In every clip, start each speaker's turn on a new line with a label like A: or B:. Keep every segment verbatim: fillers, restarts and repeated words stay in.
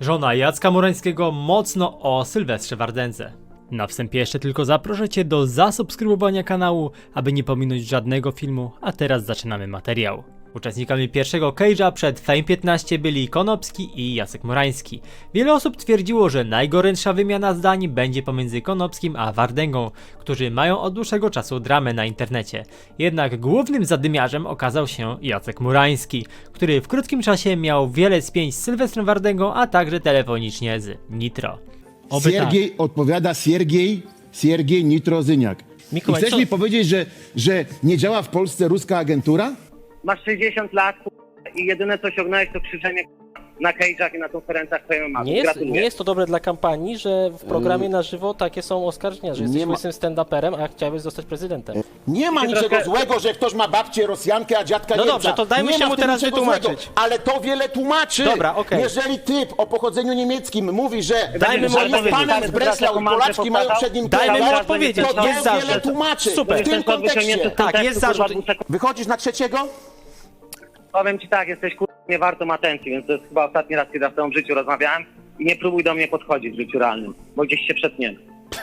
A: Żona Jacka Murańskiego mocno o Sylwestrze Wardędze. Na wstępie jeszcze tylko zaproszę Cię do zasubskrybowania kanału, aby nie pominąć żadnego filmu, a teraz zaczynamy materiał. Uczestnikami pierwszego Cage'a przed Fame piętnaście byli Konopski i Jacek Murański. Wiele osób twierdziło, że najgorętsza wymiana zdań będzie pomiędzy Konopskim a Wardęgą, którzy mają od dłuższego czasu dramę na internecie. Jednak głównym zadymiarzem okazał się Jacek Murański, który w krótkim czasie miał wiele spięć z Sylwestrem Wardęgą, a także telefonicznie z Nitro. Oby
B: Siergiej
A: tak.
B: odpowiada Siergiej, Siergiej Nitrozyniak.
C: Mikołaj,
B: I chcesz
C: co-
B: mi powiedzieć, że, że nie działa w Polsce ruska agentura?
D: Masz sześćdziesiąt lat k***a, i jedyne co osiągnąłeś to krzyżenie k***a, na cage'ach i na konferencjach twojej mamy.
C: Nie jest,
D: Gratuluję.
C: nie jest to dobre dla kampanii, że w programie na żywo takie są oskarżenia, że jesteś
B: nie ma-
C: łysym stand-uperem, a chciałeś zostać prezydentem.
B: Nie ma niczego
D: trochę-
B: złego, że ktoś ma babcię Rosjankę, a dziadka
C: No
B: Niemca.
C: dobrze, to dajmy
B: nie
C: się
B: ma
C: mu
B: w tym
C: teraz
B: niczego
C: wytłumaczyć.
B: złego, ale to wiele tłumaczy.
C: Dobra, okej.
B: Jeżeli typ o pochodzeniu niemieckim mówi, że,
C: Dajmy mu
B: że jest
C: odpowiedzieć.
B: panem z Breslau i Polaczki mają przed nim
C: Dajmy mu
B: kierować,
C: odpowiedzieć,
B: to
C: jest
B: to wiele
C: zarzut.
B: tłumaczy.
C: Super.
B: W tym kontekście.
C: Tak, jest zarzut.
B: Wychodzisz na trzeciego?
D: Powiem ci tak, jesteś k***a nie wartą atencji, więc to jest chyba ostatni raz, kiedy ja z tobą w życiu rozmawiałem i nie próbuj do mnie podchodzić w życiu realnym, bo gdzieś się przetniemy.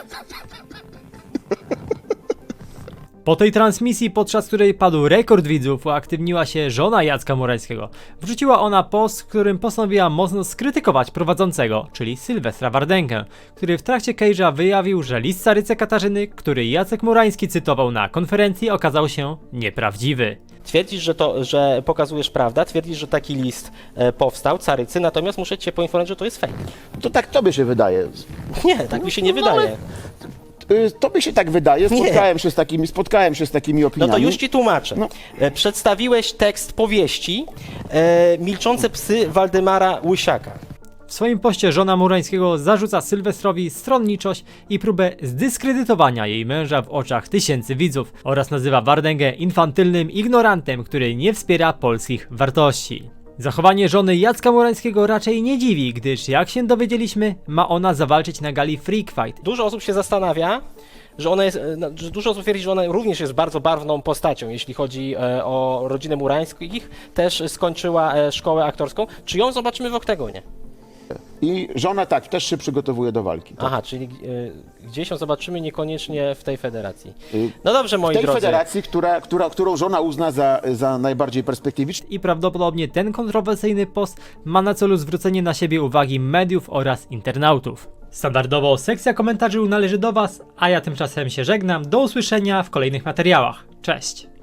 A: Po tej transmisji, podczas której padł rekord widzów, uaktywniła się żona Jacka Murańskiego. Wrzuciła ona post, w którym postanowiła mocno skrytykować prowadzącego, czyli Sylwestra Wardęgę, który w trakcie Cage'a wyjawił, że list carycy Katarzyny, który Jacek Murański cytował na konferencji, okazał się nieprawdziwy.
C: Twierdzisz, że to, że pokazujesz prawdę, twierdzisz, że taki list e, powstał, carycy, natomiast muszę cię poinformować, że to jest fake.
B: To tak tobie się wydaje.
C: Nie, tak mi się nie
B: No,
C: wydaje.
B: ale- Y, Tobie się tak wydaje,
C: Nie.
B: spotkałem się z takimi, spotkałem się z takimi
C: No
B: opiniami.
C: to już ci tłumaczę.
B: No.
C: E, Przedstawiłeś tekst powieści e, Milczące psy Waldemara Łysiaka.
A: W swoim poście żona Murańskiego zarzuca Sylwestrowi stronniczość i próbę zdyskredytowania jej męża w oczach tysięcy widzów oraz nazywa Wardęgę infantylnym ignorantem, który nie wspiera polskich wartości. Zachowanie żony Jacka Murańskiego raczej nie dziwi, gdyż jak się dowiedzieliśmy, ma ona zawalczyć na gali Freak Fight.
C: Dużo osób się zastanawia, że ona jest, e, no, że dużo osób twierdzi, że ona również jest bardzo barwną postacią, jeśli chodzi e, o rodzinę Murańskich. Też skończyła e, szkołę aktorską. Czy ją zobaczymy w oktagonie?
B: I żona tak, też się przygotowuje do walki. Tak.
C: Aha, czyli e, gdzieś ją zobaczymy, niekoniecznie w tej federacji.
B: Y,
C: No dobrze, moi
B: W tej
C: drodzy.
B: federacji, która, która, którą żona uzna za, za najbardziej perspektywiczną.
A: I prawdopodobnie ten kontrowersyjny post ma na celu zwrócenie na siebie uwagi mediów oraz internautów. Standardowo sekcja komentarzy należy do Was, a ja tymczasem się żegnam. Do usłyszenia w kolejnych materiałach. Cześć!